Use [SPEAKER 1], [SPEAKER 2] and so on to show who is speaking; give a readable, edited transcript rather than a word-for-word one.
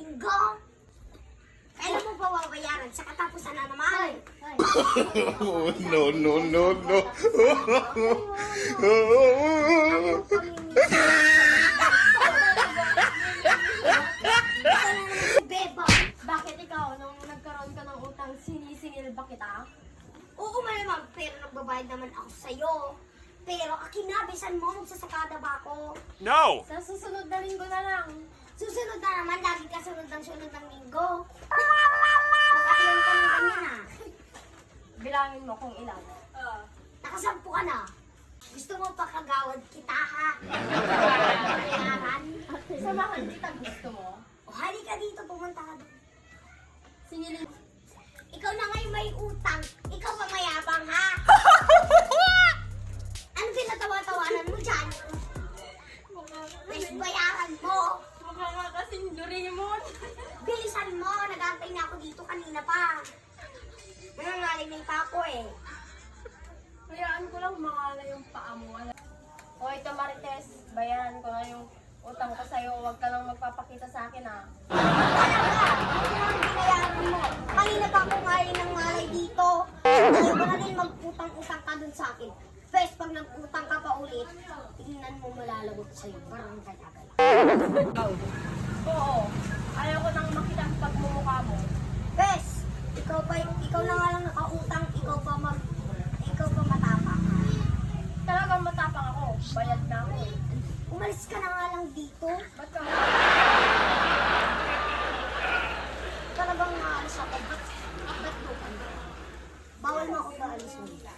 [SPEAKER 1] linggo. Kailan mo ba babayaran? Sa katapusan na naman.
[SPEAKER 2] No, no, no, no.
[SPEAKER 1] Beba,
[SPEAKER 3] Bakit ikaw, nung nagkaroon ka ng utang, sinisingil ba kita?
[SPEAKER 1] oo malamang, pero nagbabayad naman ako sa'yo. Pero akinabisan mo, magsasakada ba ako?
[SPEAKER 2] No!
[SPEAKER 3] Sa susunod na linggo na lang.
[SPEAKER 1] Susunod na naman, lagi ka sunod ng linggo. Makailan ka ng ganyan ah.
[SPEAKER 3] Bilangin mo kung ilan.
[SPEAKER 1] Nakasampu ka na. Gusto mo pa kagawad kita ha? Bayaran.
[SPEAKER 3] Samahan kita, gusto mo?
[SPEAKER 1] O halika dito, pumunta ka doon.
[SPEAKER 3] Singilin.
[SPEAKER 1] Ikaw na ngayon may utang. Ikaw pa mayabang ha? Ano pinatawa-tawanan mo dyan? Mas bayaran mo.
[SPEAKER 3] Mukha nga kasing Doraemon.
[SPEAKER 1] Bilisan mo. Nag-aantay na ako dito kanina pa. Nangangaling pa ako eh.
[SPEAKER 3] Hayaan ko lang makala yung paa mo. O ito Marites, bayaran ko na yung utang ko sa'yo. Huwag ka lang magpapakita sa akin ha.
[SPEAKER 1] Talaga, ano ang binayaran mo? Kanina pa ako ngayon ng malay dito. Ayaw ko na rin mag-utang-utang ka dun sa akin. First, pag nag-utang ka pa ulit, tingnan mo malalagot sa'yo. Parang kagagal.
[SPEAKER 3] Oo. Ayaw ko nang makita ang pagmumukha mo.
[SPEAKER 1] Bes, ikaw na nga lang nakautang, ikaw pa matapang.
[SPEAKER 3] Talagang matapang ako. Bayad na ako.
[SPEAKER 1] Umalis ka na nga lang dito.
[SPEAKER 3] Ba't ka?
[SPEAKER 1] Talagang maalis ako. Ba't mo ka? Bawal mo ako paalis mo.